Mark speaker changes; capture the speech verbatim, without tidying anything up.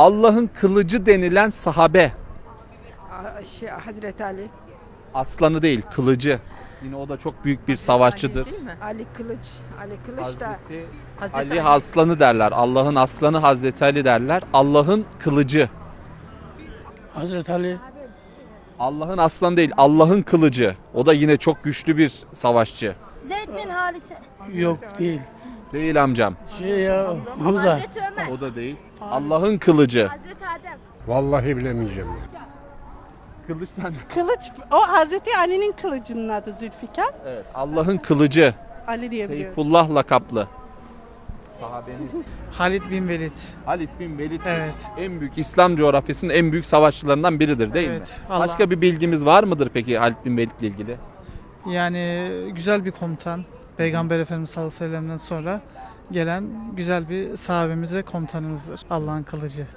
Speaker 1: Allah'ın kılıcı denilen sahabe.
Speaker 2: Aa, Şey, Hazreti Ali.
Speaker 1: Aslanı değil, kılıcı. Yine o da çok büyük bir savaşçıdır.
Speaker 3: Değil mi?
Speaker 2: Ali Kılıç. Ali Kılıç da.
Speaker 1: Hazreti
Speaker 3: Hazreti
Speaker 1: Ali aslanı derler. Allah'ın aslanı Hazreti Ali derler. Allah'ın kılıcı.
Speaker 4: Hazreti Ali.
Speaker 1: Allah'ın aslanı değil, Allah'ın kılıcı. O da yine çok güçlü bir savaşçı.
Speaker 5: Zeyd bin Harise.
Speaker 4: Yok değil.
Speaker 1: Değil amcam.
Speaker 4: Şey ya Hamza.
Speaker 5: Hazreti Ömer.
Speaker 1: O da değil. Allah'ın kılıcı.
Speaker 5: Hazreti Adem.
Speaker 6: Vallahi bilemeyeceğim.
Speaker 1: Kılıçtan.
Speaker 7: Kılıç, o Hazreti Ali'nin kılıcının adı Zülfikar.
Speaker 1: Evet, Allah'ın kılıcı.
Speaker 7: Ali diye biliyorum.
Speaker 1: Seyfullah lakaplı. Sahabeniz.
Speaker 8: Halid bin Velid.
Speaker 1: Halid bin Velid
Speaker 8: Evet.
Speaker 1: en büyük İslam coğrafyasının en büyük savaşçılarından biridir değil
Speaker 8: Evet,
Speaker 1: mi?
Speaker 8: Allah-
Speaker 1: Başka bir bilgimiz var mıdır peki Halid bin Velid ile ilgili?
Speaker 8: Yani güzel bir komutan. Peygamber Efendimiz sallallahu aleyhi ve sellem'den sonra gelen güzel bir sahabemiz ve komutanımızdır. Allah'ın kılıcı